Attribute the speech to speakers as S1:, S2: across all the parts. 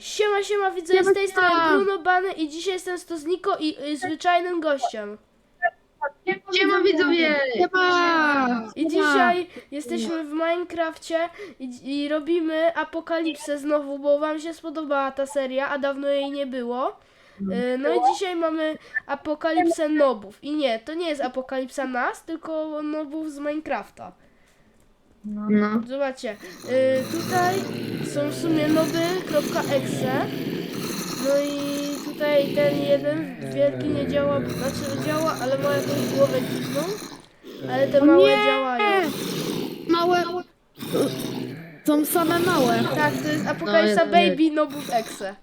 S1: Siema widzowie, z tej strony Bruno Bany i dzisiaj jestem z Tozniko i zwyczajnym gościem.
S2: Siema widzowie!
S3: Siema!
S1: I dzisiaj jesteśmy w Minecrafcie i robimy apokalipsę znowu, bo wam się spodobała ta seria, a dawno jej nie było. No i dzisiaj mamy apokalipsę nobów. I nie, to nie jest apokalipsa nas, tylko nobów z Minecrafta.
S2: No.
S1: Zobaczcie, tutaj są w sumie noby.exe. No i tutaj ten jeden wielki nie działa, znaczy działa, ale ma jakąś głowę dziwną. Ale te małe działają.
S3: Małe. Są same małe.
S1: Tak, to jest apokalipsa
S2: No,
S1: baby nobów exe.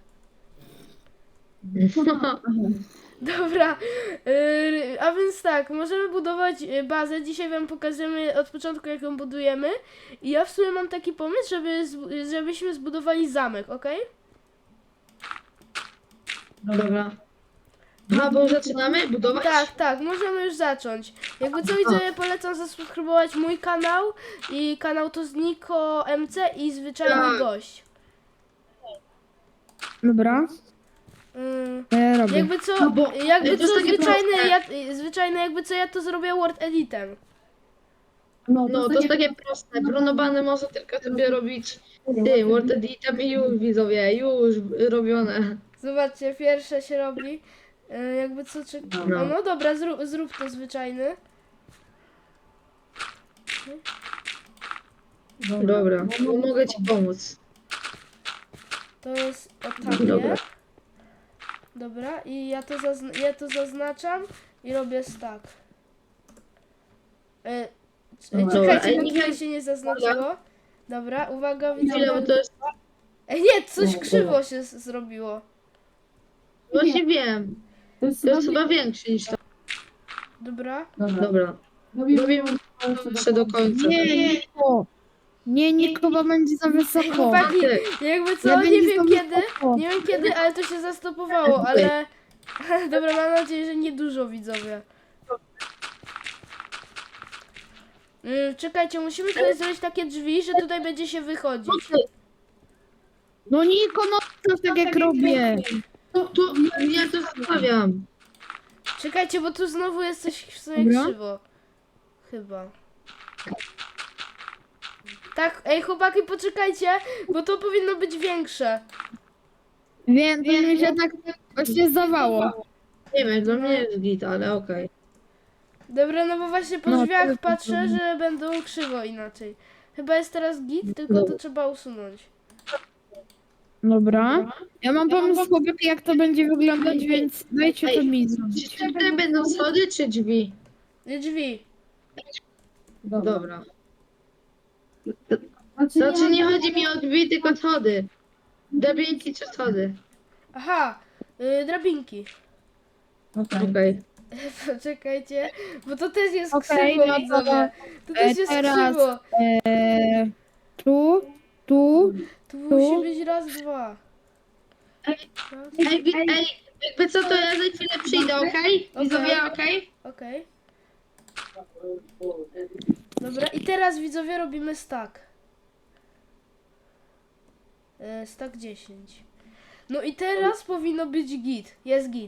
S1: Dobra, a więc tak, możemy budować bazę. Dzisiaj wam pokażemy od początku, jak ją budujemy. I ja w sumie mam taki pomysł, żebyśmy zbudowali zamek, ok?
S2: Dobra. A, bo zaczynamy budować?
S1: Tak, możemy już zacząć. Jakby co widzowie, polecam zasubskrybować mój kanał i kanał Tozniko MC i zwyczajny
S2: Tak.
S1: gość.
S3: Dobra, ja robię.
S1: Jakby co,
S2: No bo-
S1: jakby
S2: to jest
S1: co
S2: takie
S1: zwyczajne, jakby co ja to zrobię Word Editem.
S2: No, to jest takie proste. Bruno Bany może tylko sobie robić Word Editem i już widzowie, już robione.
S1: Zobaczcie, pierwsze się robi. Jakby co,
S2: No.
S1: no dobra, zrób to zwyczajny.
S2: Dobra, mogę ci pomóc.
S1: To jest o takie.
S2: Dobra.
S1: Dobra, i ja to zaznaczam i robię stack.
S2: Dobra,
S1: Czekajcie,
S2: ej,
S1: bo
S2: nie
S1: tutaj
S2: wiem-
S1: się nie zaznaczyło. Dobra, uwaga,
S2: Chwilę,
S1: widzowie.
S2: bo to jest...
S1: Ej, nie, coś krzywo się zrobiło.
S2: Właśnie wiem. To jest chyba większy niż to.
S1: Dobra.
S2: Dobra. Robimy jeszcze do końca.
S3: Nie, Nikowa będzie za wysoko.
S1: Chłopaki,
S2: Ty.
S1: jakby co,
S3: Ja
S1: nie
S3: będzie
S1: wiem
S3: za
S1: kiedy,
S3: wysoko.
S1: nie wiem kiedy, ale to się zastopowało, ale... Dobra, mam nadzieję, że niedużo, widzowie. Czekajcie, musimy tutaj zrobić takie drzwi, że tutaj będzie się wychodzić.
S3: No Niko, no to tak jak robię.
S2: Tu, ja to zostawiam.
S1: Czekajcie, bo tu znowu jest coś w sumie
S3: Dobra.
S1: krzywo. Chyba. Tak, ej chłopaki, poczekajcie, bo to powinno być większe.
S3: Wiem, to mi się tak właśnie zdawało.
S2: Nie wiem, dla mnie jest git, ale okej.
S1: Dobra, no bo właśnie po
S3: No,
S1: drzwiach
S3: to-
S1: patrzę, że będą krzywo inaczej. Chyba jest teraz git, tylko to trzeba usunąć.
S3: Dobra. Ja mam pomysł, chłopaki, jak to będzie wyglądać, więc dajcie to
S2: Ej,
S3: mi zrobić.
S2: Czy tutaj będą schody, czy drzwi?
S1: Drzwi.
S2: Dobra. Znaczy nie chodzi mi o drzwi, tylko schody. Drabinki czy schody?
S1: Aha, drabinki.
S2: Okej.
S1: Poczekajcie, bo to też jest
S3: Okej,
S1: krzywo,
S3: no to-
S1: widzowie. To też jest
S3: teraz-
S1: krzywo.
S3: Tu.
S1: Tu musi być raz, dwa. Raz.
S2: Ej, jakby co, to ja za chwilę przyjdę, okej? Widzowie, okej?
S1: Okej. Dobra, i teraz widzowie robimy stack. Stack 10. No i teraz powinno być git. Jest git.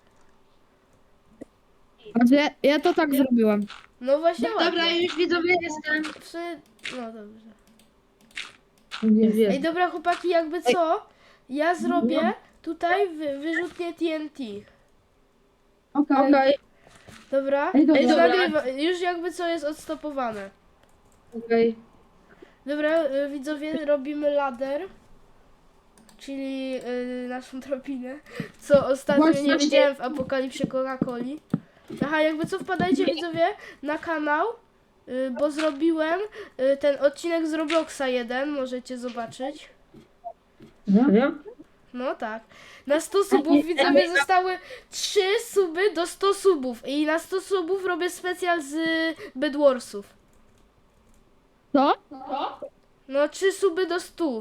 S3: Znaczy, ja to tak zrobiłem.
S1: No właśnie
S2: Dobra,
S1: ładnie.
S2: już widzowie jestem.
S1: No dobrze.
S2: Jest.
S1: Ej, dobra chłopaki, jakby co? Ja zrobię tutaj wyrzutnie TNT.
S2: Okej,
S1: Dobra?
S2: Ej, dobra.
S1: Już jakby co jest odstopowane.
S2: okej.
S1: Dobra, widzowie, robimy ladder. Czyli naszą drabinę. Co ostatnio nie
S2: Właśnie.
S1: widziałem w apokalipsie Coca-Coli. Aha, jakby co, wpadajcie widzowie na kanał, bo zrobiłem ten odcinek z Robloxa 1, możecie zobaczyć.
S2: Serio?
S1: No tak. Na 100 subów widzowie zostały 3 suby do 100 subów. I na 100 subów robię specjal z Bedwarsów.
S3: Co?
S1: No 3 suby do 100.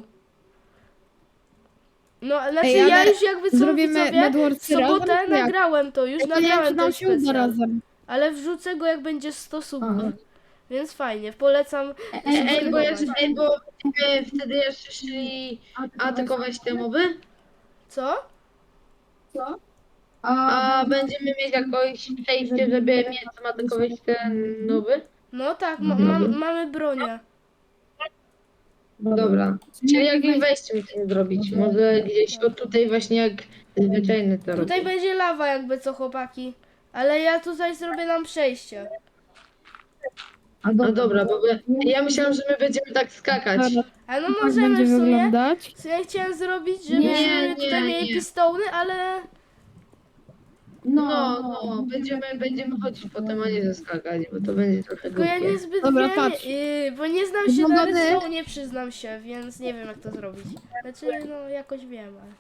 S1: No, znaczy
S3: Ej, ale
S1: ja już jakby co
S3: zrobimy
S1: widzowie, w
S3: Bedwarsy razem,
S1: sobotę
S3: czy jak?
S1: nagrałem to, już
S3: Ja nie wiem, czy
S1: nagrałem
S3: nam
S1: ten
S3: się uda
S1: specjal.
S3: razem.
S1: Ale wrzucę go jak będzie 100 subów.
S2: Aha.
S1: Więc fajnie, polecam
S2: Ej, bo
S1: subskrybować.
S2: wtedy jeszcze szli atakować te moby?
S1: Co?
S2: A będziemy mieć jakieś przejście, żeby mieć atakować ten nowy?
S1: No tak, mamy bronię.
S2: Dobra. Czyli jakieś wejście musimy zrobić. Może gdzieś o tutaj właśnie jak zwyczajne to robię.
S1: Tutaj będzie lawa jakby co, chłopaki. Ale ja tutaj zrobię nam przejście.
S2: No dobra, bo ja myślałem, że my będziemy tak skakać.
S1: Ale no
S3: Tak
S1: możemy
S3: będzie
S1: w sumie.
S3: wyglądać.
S1: Co ja chciałem zrobić, żebyśmy
S2: Nie,
S1: tutaj
S2: nie,
S1: mieli
S2: nie.
S1: pistony, ale...
S2: No, będziemy chodzić potem, a nie zaskakać, bo to będzie trochę
S1: Tylko ja
S2: głupie.
S1: niezbyt
S3: Dobra,
S1: wiem,
S3: patrz.
S1: bo nie znam się na
S3: Wyglądamy-
S1: redstone, nie przyznam się, więc nie wiem jak to zrobić. Znaczy, no jakoś wiem, ale...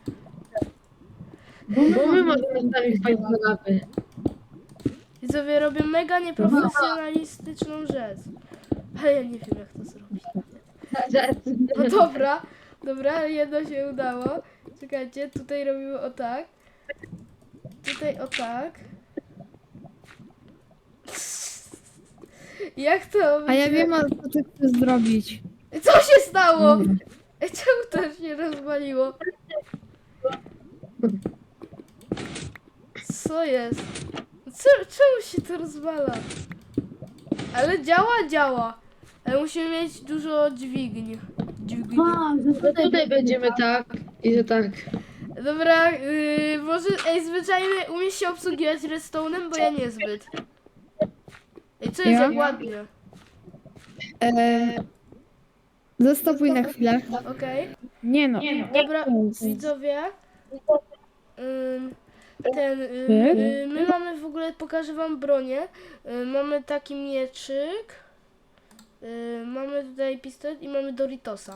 S2: Bo my możemy sami wpaść do lawy.
S1: Widzowie robią mega nieprofesjonalistyczną rzecz. Ale ja nie wiem jak to zrobić. No dobra, jedno się udało. Czekajcie, tutaj robimy o tak. Tutaj o tak. Jak to
S3: A ja
S1: będzie?
S3: wiem, co ty chcesz zrobić.
S1: Co się stało? Czemu to się rozwaliło? Co jest? Czemu się to rozwala? Ale działa. Ale musimy mieć dużo dźwigni.
S2: No tutaj będziemy tak i że tak.
S1: Dobra, może zwyczajnie umiesz się obsługiwać redstone'em, bo ja niezbyt. Ej, co jest
S3: Ja?
S1: jak ładnie?
S3: Zastopuj na chwilę.
S1: Okej.
S3: Nie no.
S1: Dobra, widzowie. My mamy w ogóle, pokażę wam bronię. Mamy taki mieczyk. Mamy tutaj pistolet i mamy Doritosa.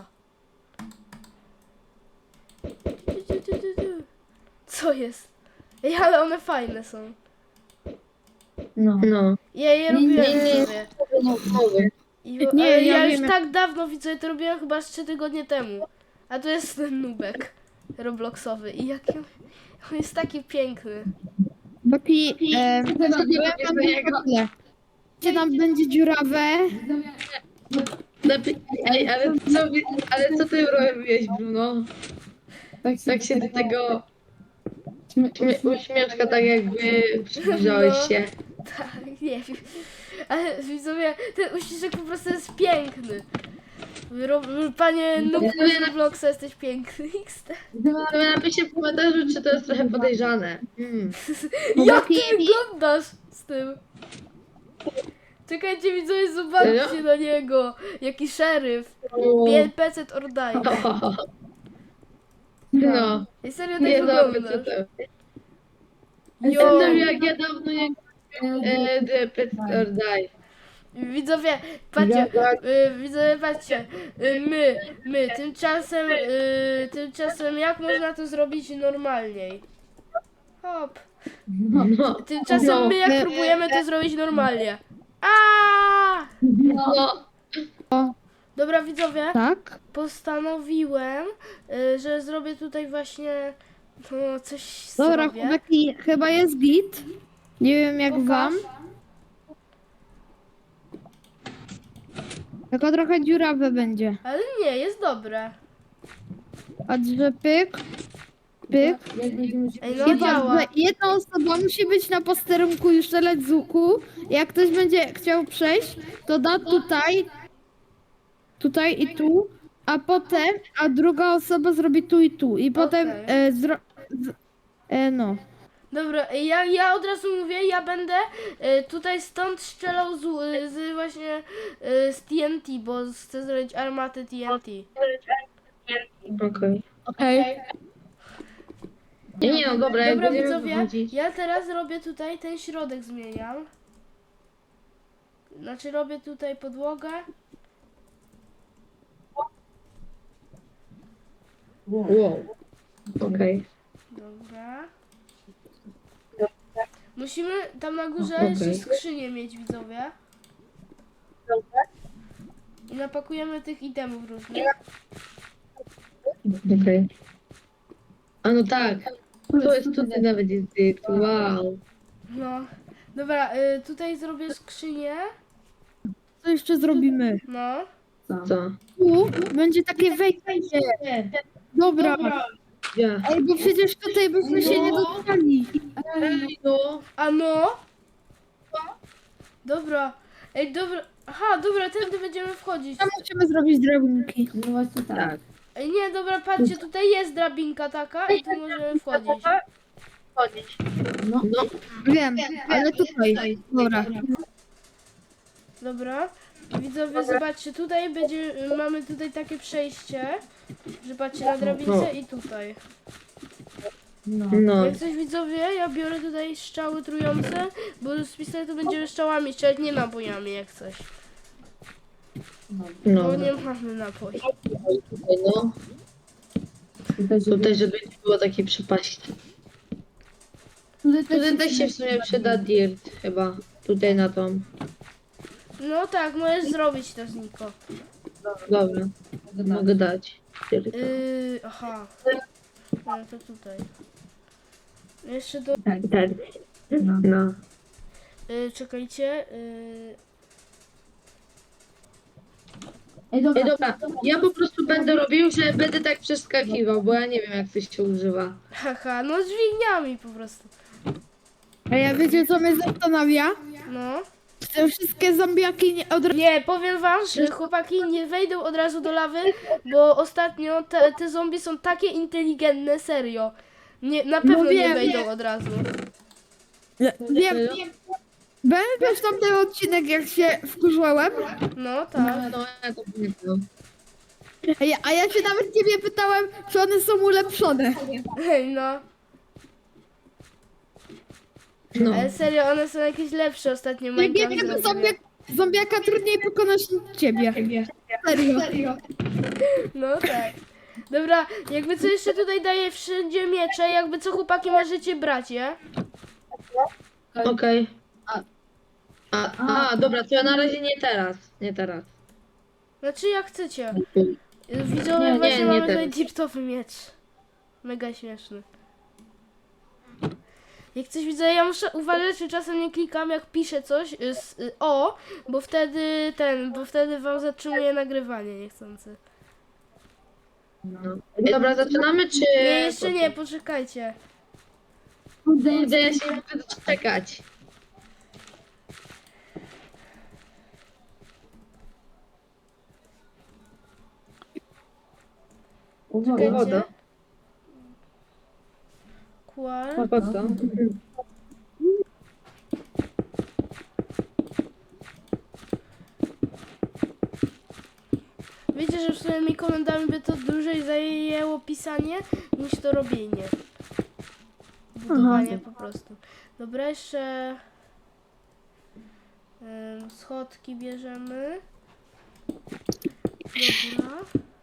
S1: Co jest? Ej, ale one fajne są.
S2: No.
S1: Ja je robiłem
S2: nie.
S1: sobie.
S2: Nowy.
S1: Ale
S3: ja
S1: ja już
S3: wiem,
S1: tak dawno widzę, to robiłem chyba z 3 tygodnie temu. A to jest ten nubek robloxowy. I jaki on jest taki piękny.
S3: Baki,
S2: do niego?
S3: Gdzie tam będzie dziurawe?
S2: Ej, ale co ty robiłeś, Bruno? Tak się do tego uśmieszka, tak jakby przybliżałeś się.
S1: Tak, nie wiem. Ale widzowie, ten uściszek po prostu jest piękny. Panie nubku z Robloxa, jesteś piękny. XD.
S2: To napiszcie w komentarzu, czy to jest trochę podejrzane.
S1: Jak ty wyglądasz z tym? Czekajcie widzowie, zobaczcie
S2: Serio?
S1: na niego. Jaki szeryf. PC or die.
S2: No,
S1: I serio tak
S2: nie dobry, co
S1: wyglądasz.
S2: to.
S1: Jo.
S2: Jak ja dawno nie The Pet or Die.
S1: Widzowie, patrzcie, widzowie, patrzcie, my, tymczasem jak można to zrobić normalniej? Hop.
S2: No,
S1: Tymczasem my jak
S3: No.
S1: próbujemy to zrobić normalnie. Aaaa!
S2: no.
S1: Dobra widzowie,
S3: Tak?
S1: postanowiłem, że zrobię tutaj właśnie coś
S3: Dobra,
S1: zrobię.
S3: chłopaki, chyba jest git. Nie wiem jak
S1: Pokaż.
S3: wam. Tylko trochę dziurawe będzie.
S1: Ale nie, jest dobre.
S3: A że pyk, pyk.
S1: Ej, no
S3: I
S1: działa.
S3: patrz, że jedna osoba musi być na posterunku i strzelać z łuku. Jak ktoś będzie chciał przejść, to da tutaj i tu, a potem, a druga osoba zrobi tu i tu. I potem no.
S1: Dobra, ja od razu mówię, ja będę tutaj stąd strzelał z właśnie z TNT, bo chcę zrobić armatę TNT.
S2: Okej.
S3: Okej.
S2: Nie, no dobra, jak
S1: Dobra
S2: będziemy
S1: widzowie,
S2: wychodzić.
S1: ja teraz robię tutaj ten środek zmieniam. Znaczy robię tutaj podłogę.
S2: Wow. Okej.
S1: Dobra. Musimy tam na górze
S2: Okej.
S1: jeszcze skrzynię mieć, widzowie. I napakujemy tych itemów różnych.
S2: Okej. A no tak. To jest tutaj nawet jest dykt. Wow.
S1: No. Dobra, tutaj zrobię skrzynię.
S3: Co jeszcze zrobimy?
S1: No.
S2: Co?
S3: Tu będzie takie wejście. Dobra.
S2: Gdzie?
S3: Ej, bo przecież tutaj byśmy się nie dostali.
S2: Ej, no.
S1: A no? Dobra. Ej, dobra. Aha, dobra, tędy będziemy wchodzić.
S3: Tam musimy zrobić drabinki.
S4: No właśnie tak.
S2: Tak.
S1: Ej, nie, dobra, patrzcie, tutaj jest drabinka taka i tu możemy wchodzić.
S4: No,
S2: No.
S3: Wiem, ale tutaj. Dobra.
S1: Dobra. Widzowie, zobaczcie, tutaj będzie, mamy tutaj takie przejście, że patrzcie na drabince i tutaj.
S2: No.
S1: Jak coś widzowie, ja biorę tutaj strzały trujące, bo z pistoletu będziemy strzałami strzelać, nie nabojami jak coś.
S2: No.
S1: Bo nie mamy naboi.
S2: Tutaj, no. Tutaj, żeby nie było takiej przepaści. Tutaj też się w sumie przyda dirt chyba. Tutaj na tą.
S1: No tak, możesz zrobić to, Niko.
S2: Dobra. Mogę dać. Dirta.
S1: Aha. No to tutaj. Jeszcze do...
S2: Tak. No.
S1: czekajcie.
S4: Ej, dobra.
S2: Ej, dobra. Ja po prostu będę robił, że będę tak przeskakiwał, bo ja nie wiem jak coś się używa.
S1: Haha, no dźwigniami po prostu.
S3: A ja wiecie co mnie zastanawia?
S1: No.
S3: Te wszystkie zombiaki nie od razu...
S1: Nie, powiem wam, że chłopaki nie wejdą od razu do lawy, bo ostatnio te zombie są takie inteligentne, serio. Nie, na pewno nie
S3: wiem,
S1: wejdą od razu.
S3: Wiem, pamiętasz tamten odcinek, jak się wkurzałem?
S1: No tak.
S2: No, ja to pamiętam.
S3: A ja się nawet ciebie pytałem, czy one są ulepszone.
S1: Hej, no.
S2: No.
S1: Ale serio, one są jakieś lepsze ostatnio.
S3: Jak
S1: Minecraft
S3: jednego
S1: zrobił.
S3: zombiaka trudniej pokonać niż ciebie. Serio.
S1: No tak. Dobra, jakby co jeszcze tutaj daje wszędzie miecze, jakby co chłopaki możecie brać, je?
S2: Okej. Dobra, to ja na razie nie teraz. Nie teraz.
S1: Znaczy jak chcecie. Widzowie,
S2: Nie,
S1: właśnie
S2: nie
S1: mamy
S2: teraz.
S1: tutaj dirtowy miecz. Mega śmieszny. Jak coś widzę, ja muszę uważać, czy czasem nie klikam, jak piszę coś bo wtedy wam zatrzymuje nagrywanie niechcący.
S2: No. Dobra, zaczynamy czy...
S1: Nie, jeszcze nie, poczekajcie.
S2: Kurde, ja się nie mogę doczekać.
S1: Czekajcie.
S2: Woda.
S1: Kłal.
S2: Po co?
S1: Wiecie, że swoimi komendami by to dłużej zajęło pisanie niż to robienie. Budowanie po prostu. Dobra, jeszcze schodki bierzemy. Dobra.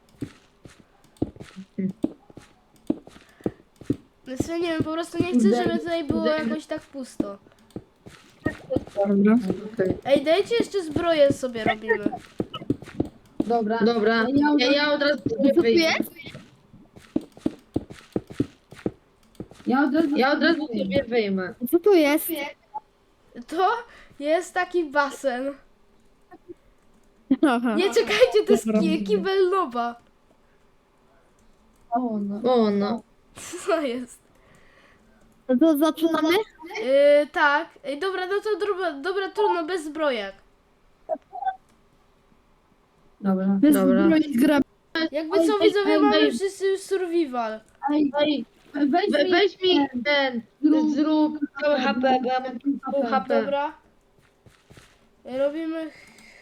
S1: Więc ja nie wiem, po prostu nie chcę, żeby tutaj było jakoś tak pusto.
S3: Dobra.
S2: Okej.
S1: Ej, dajcie jeszcze zbroję sobie robimy.
S4: Dobra.
S2: Dobra, ja od razu
S3: Co tu
S2: wyjdę.
S3: jest?
S4: Ja od razu
S2: sobie wyjmę.
S3: Co tu jest?
S1: To jest taki basen.
S3: Aha.
S1: Nie czekajcie, to jest kibel noba.
S4: O, no.
S2: O, no.
S1: Co jest?
S3: No to zaczynamy?
S1: Tak. Ej, dobra, no to dobra, trudno, bez zbrojek.
S4: Dobra.
S3: Bez
S2: Dobra.
S3: zbroi gra.
S1: Jakby co widzowie, mamy wszyscy już survival.
S4: Ej,
S2: Weź mi ten, zrób całe HP, bo ja mam pół HP.
S1: Dobra. Robimy...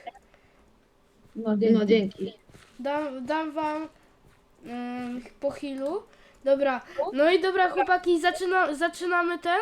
S2: No, dzięki.
S1: Dam wam po healu. Dobra. No i dobra, chłopaki, zaczynamy ten.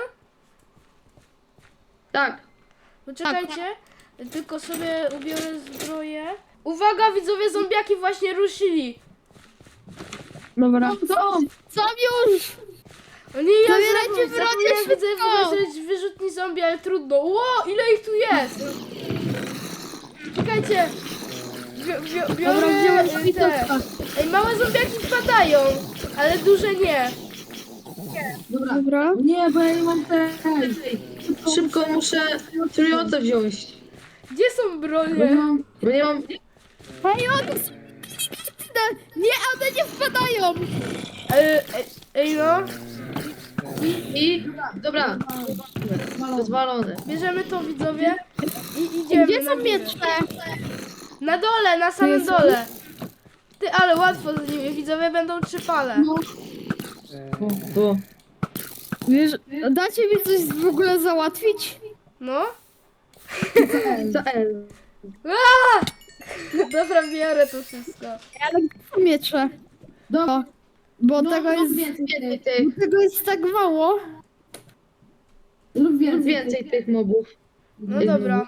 S2: Tak.
S1: Poczekajcie. Tylko sobie ubiorę zbroję. Uwaga, widzowie, zombiaki właśnie ruszyli.
S3: Dobra. Co już?
S1: O nie, ja
S3: Zabierajcie broń,
S1: zapomniałem, widzę
S3: szybko!
S1: wyjrzeć wyrzutni zombie, ale trudno. Ło, ile ich tu jest? Czekajcie. Biorę
S3: Dobra, wziąłem
S1: te.
S3: szpitolka.
S1: Ej, małe zombiaki wpadają, ale duże nie.
S3: Dobra.
S4: Nie, bo ja nie mam tej.
S2: Szybko muszę trujące wziąć.
S1: Gdzie są
S4: Bo nie
S1: bronie?
S4: mam...
S2: Bo nie mam...
S3: Hej, one są... Nie, one nie wpadają.
S1: Ej no,
S2: I dobra, zwalone.
S1: bierzemy to widzowie i idziemy
S3: Gdzie
S1: na
S3: są
S1: górę.
S3: miecze?
S1: Na dole, na samym
S3: jest-
S1: dole. Ty, ale łatwo z nimi, widzowie będą 3 fale.
S3: No,
S2: Tu.
S3: wiesz, dacie mi coś w ogóle załatwić?
S1: No.
S2: Co L?
S1: Aaa! Dobra, biorę to wszystko.
S3: Ale gdzie są miecze?
S4: Dobra.
S3: Bo
S4: No,
S3: tego, jest,
S2: Więcej tych,
S3: tego jest tak mało.
S4: Lub
S2: więcej tych mobów.
S1: No dobra.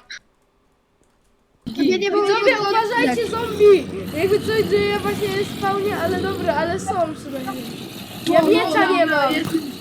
S3: Ja nie mogę
S1: Widzowie,
S3: tego
S1: uważajcie, zombie! Jakby coś dzieje właśnie jest spawnie, ale dobra, ale są przynajmniej. Ja miecza nie mam.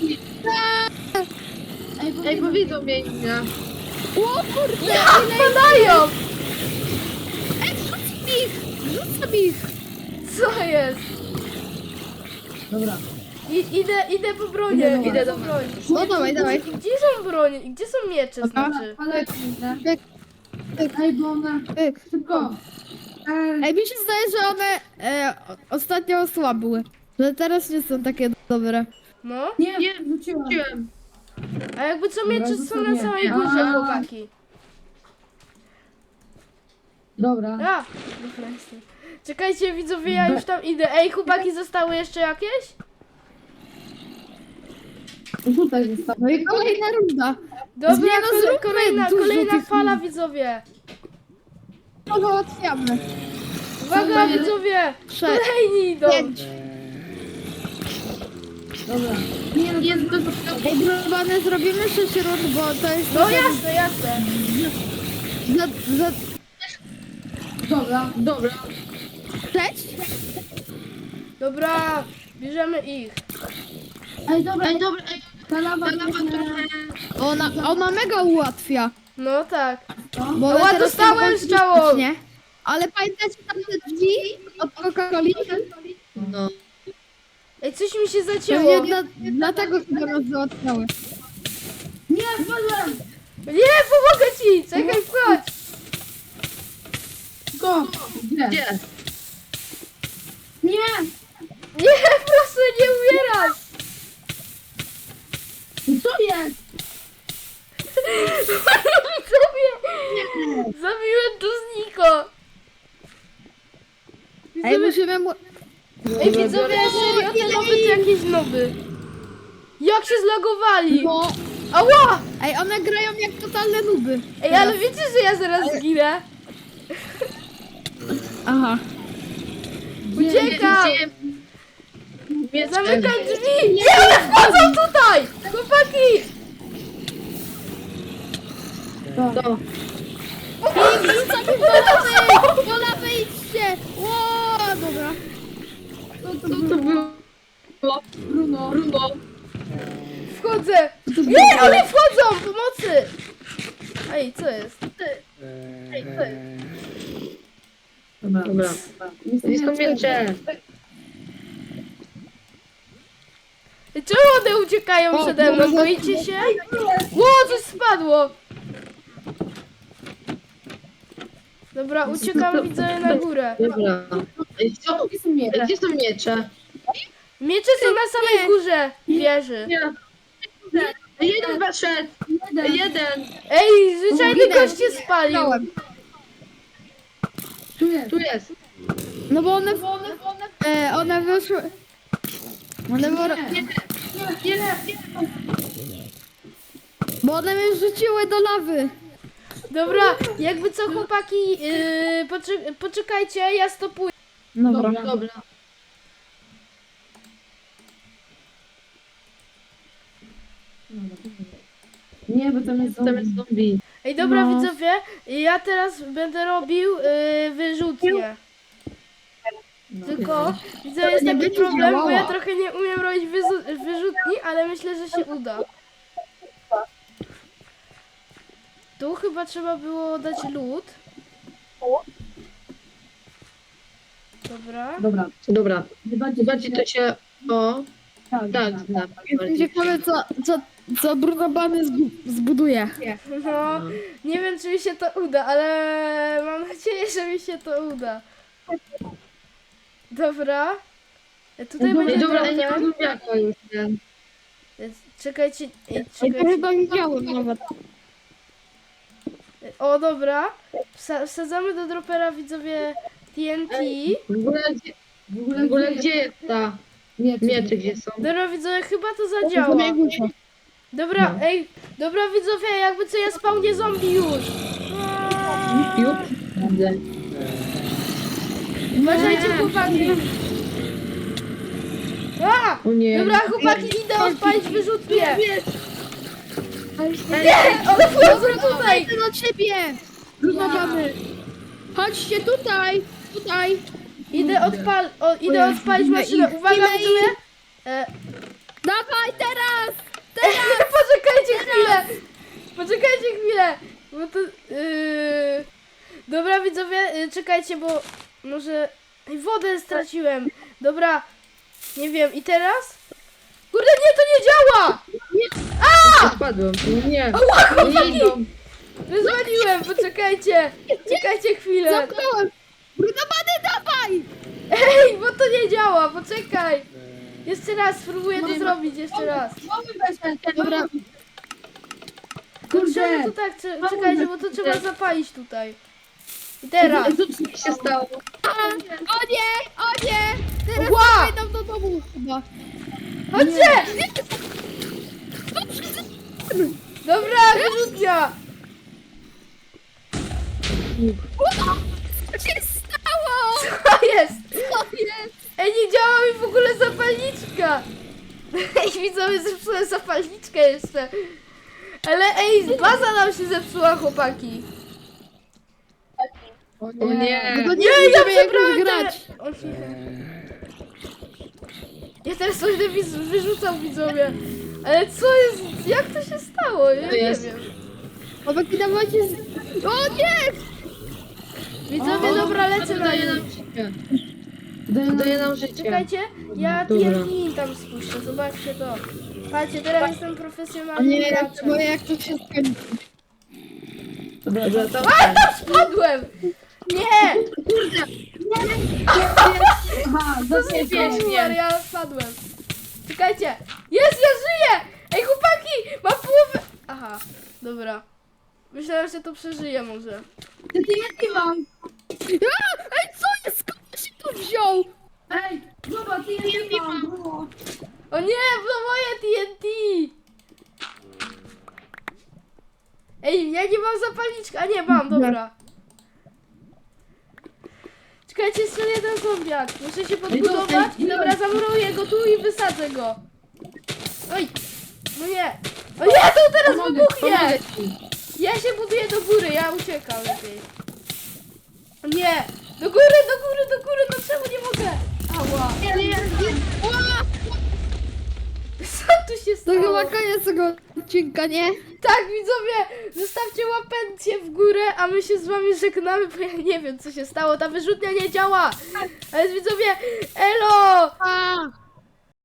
S2: Ej, bo widzą mnie inne.
S3: O kurde!
S1: Padają!
S3: Ej, rzucam ich! Rzucam ich!
S1: Co jest?
S4: Dobra.
S1: Idę po bronię, idę do broni.
S3: No dawaj, dawaj.
S1: Gdzie są bronie? Gdzie są miecze, znaczy?
S4: Ale kurde. Ej, bo ona... Szybko.
S3: Ej, mi się zdaje, że one ostatnio osłabły. Że teraz nie są takie dobre.
S1: No?
S4: Nie,
S2: Nie,
S4: wróciłam.
S2: Wróciłem.
S1: A jakby co miecze są na
S4: zostawię.
S1: samej górze,
S4: A.
S1: chłopaki.
S4: Dobra.
S1: A! Dobra, jestem. Czekajcie, widzowie, ja już tam idę. Ej, chłopaki, zostały jeszcze jakieś?
S4: Tutaj zostało.
S3: No i kolejna runda.
S1: Dobra,
S3: Zmiana, zróbmy
S1: kolejna
S3: dużo tych
S1: fala,
S3: ludzi.
S1: widzowie.
S3: To załatwiamy.
S1: Uwaga, widzowie! Kolejni idą!
S3: 5.
S4: Dobra. Nie, no
S2: Jest do
S3: Ej, drobane, zrobimy 6 rund, bo to jest...
S1: No jasne, jasne.
S3: Za
S4: Dobra.
S2: Dobra.
S3: 6?
S1: Dobra, bierzemy ich.
S4: Ej, dobra.
S2: Ej, dobra, ej,
S4: Ta lawa
S2: ta lawa trochę...
S3: Ona mega ułatwia.
S1: No tak.
S3: Bo
S1: Ała,
S3: teraz
S1: dostałem
S3: są
S1: strzałą.
S3: nie? Ale pamiętacie tam te drzwi od Coca-Coli?
S2: No.
S1: Ej, coś mi się zacięło.
S3: Pewnie dlatego chyba nas załatwiały.
S4: Nie, wpadłem.
S1: Nie, pomogę ci! Czekaj, wchodź!
S4: Szybko. Gdzie?
S2: Gdzie?
S4: Nie.
S1: Nie, proszę, nie umieraj!
S4: Co jest?
S1: Zabiłem tu zniko.
S3: Ej,
S1: Widzowie,
S3: musimy mu...
S1: ej, widzowie, serio, te noby to jakieś noby. Jak się zlagowali?
S3: No,
S1: Ała!
S3: ej, one grają jak totalne nuby.
S1: Ej, ale wiecie, że ja zaraz zginę?
S3: Aha.
S1: Uciekam!
S2: Gdzie?
S1: Zamykam drzwi! Nie, one wchodzą tutaj! Chłopaki!
S2: To.
S3: Rzucamy do lawy! Do lawy idźcie! Ło, dobra.
S2: Co to było?
S4: Bruno.
S2: Bruno.
S1: Wchodzę! Nie, one wchodzą! Pomocy! Ej, co jest?
S4: Dobra.
S2: Dobra. Gdzie są miecze?
S1: Ej, czemu one uciekają
S3: O,
S1: przede mną?
S3: dobra.
S1: Boicie się? Ło, coś spadło! Dobra, uciekam, widzę na górę.
S2: Dobra. Ej, co?
S4: Gdzie są miecze?
S2: Gdzie są miecze?
S1: Miecze są na samej górze wieży.
S2: Nie. Jeden weszedł. Jeden.
S1: Ej, zwyczajny
S3: Zginę.
S1: gość się spalił.
S3: Dałem.
S4: Tu jest.
S2: Tu jest.
S3: No bo one wyszły... One Bo one mnie rzuciły do lawy.
S1: Dobra, jakby co chłopaki, poczekajcie, ja stopuję.
S3: Dobra.
S2: Dobra.
S4: Nie, bo tam jest
S2: Tam jest zombie.
S1: Ej, dobra
S3: No.
S1: widzowie, ja teraz będę robił wyrzutnie. Tylko, widzę, jest
S3: nie
S1: taki
S3: będzie
S1: problem, bo ja
S3: działała.
S1: trochę nie umiem robić wyrzutni, ale myślę, że się uda. Tu chyba trzeba było dać lód. Dobra.
S4: Dobra.
S2: Dobra.
S4: Zobaczcie,
S2: Bardziej to się... O,
S4: Tak,
S2: tak, znam.
S3: Jestem ciekawy, co Bruno Bany zbuduje.
S1: No, nie wiem, czy mi się to uda, ale mam nadzieję, że mi się to uda. Dobra. Tutaj
S2: Ej,
S1: będzie
S2: dobra, nie
S1: drewno.
S2: mam zombiaka już, nie?
S1: Czekajcie,
S3: Ej, to
S1: czekajcie.
S3: chyba widziałem nawet.
S1: O, dobra. Wsadzamy do dropera, widzowie, TNT.
S2: W ogóle gdzie jest ta miecze, gdzie są?
S1: Dobra, widzowie, chyba to zadziała. Dobra, ej, dobra, widzowie, jakby co, ja spawnię zombie już.
S2: Już? Widzę.
S1: Uważajcie, chłopaki. A!
S2: O nie.
S1: Dobra, chłopaki, idę odpalić wyrzutnię. Nie, one wchodzą tutaj.
S3: Idę do ciebie! Rozmawiamy! Chodźcie tutaj! Tutaj!
S1: Idę odpalić maszynę. Uwaga,
S3: Ile
S1: widzowie.
S3: Dawaj teraz!
S1: Poczekajcie chwilę. Poczekajcie chwilę. Bo to... Dobra, widzowie, czekajcie, bo może... Ej, wodę straciłem. Dobra, nie wiem, i teraz? Kurde, nie, to nie działa!
S2: Spadłem. Nie.
S1: Ała,
S2: Nie idą.
S1: Rozwaliłem, poczekajcie. Czekajcie chwilę.
S3: Zamknąłem! Brudobany, dawaj!
S1: Ej, bo to nie działa, poczekaj. Jeszcze raz, spróbuję to zrobić, jeszcze raz.
S3: Dobra,
S1: Czemu to tak, czekajcie, bo to trzeba zapalić tutaj. I teraz.
S2: Co się stało?
S3: o nie! O nie! Teraz
S1: Ła!
S3: wejdę do domu chyba.
S1: Chodźcie! Dobra, wyrzutnia.
S3: Co się stało?
S1: To jest.
S3: Co jest?
S1: Ej, nie działa mi w ogóle zapalniczka. Ej, widzowie, zepsułem zapalniczkę jeszcze. Ale ej, baza nam się zepsuła, chłopaki.
S2: O nie.
S3: No
S1: Nie, ja
S3: wiemy, jak
S1: przebrałem
S3: już grać.
S1: O nie. Ja teraz coś wyrzucam, widzowie. Ale co jest, jak to się stało? Ja
S2: To
S1: nie
S2: jest-
S1: wiem.
S3: Chłopaki, dawajcie O nie!
S1: Widzowie, dobra, lecę na
S2: Daje
S1: nie.
S2: nam życie. Daje nam życie.
S1: Czekajcie, ja
S2: Dobra.
S1: TNT tam spuszczę, zobaczcie to. Patrzcie, teraz jestem
S3: O
S1: profesjonalnym
S3: nie,
S1: graczem.
S3: bo jak to się skończy.
S2: Dobra, to...
S1: A, tam spadłem! Nie!
S4: Aha,
S1: To nie wiem, ja spadłem. Czekajcie! Jest, ja żyję! Ej, chłopaki! Mam połowę... Aha, dobra. Myślałem, że to przeżyję może.
S4: TNT mam.
S3: Ej, co jest? Skąd się tu wziął?
S4: Ej, zobacz, TNT mam. Było.
S1: O nie, to moje TNT! Ej, ja nie mam zapalniczka. A nie, mam, dobra. Czekajcie, jeszcze jeden zombiak. Muszę się podbudować. Dobra, zamuruję go tu i wysadzę go. Oj! No nie! O nie, to teraz wybuchnie!
S2: Pomogę ci.
S1: Ja się buduję do góry, ja uciekam lepiej. O nie! Do góry, do góry, do góry! No czemu nie mogę? Ała!
S3: Ła!
S1: Co tu się
S3: To
S1: stało?
S3: chyba koniec tego odcinka, nie?
S1: Tak, widzowie, zostawcie łapencję w górę, a my się z wami żegnamy, bo ja nie wiem, co się stało. Ta wyrzutnia nie działa. Ale widzowie, elo!
S3: A!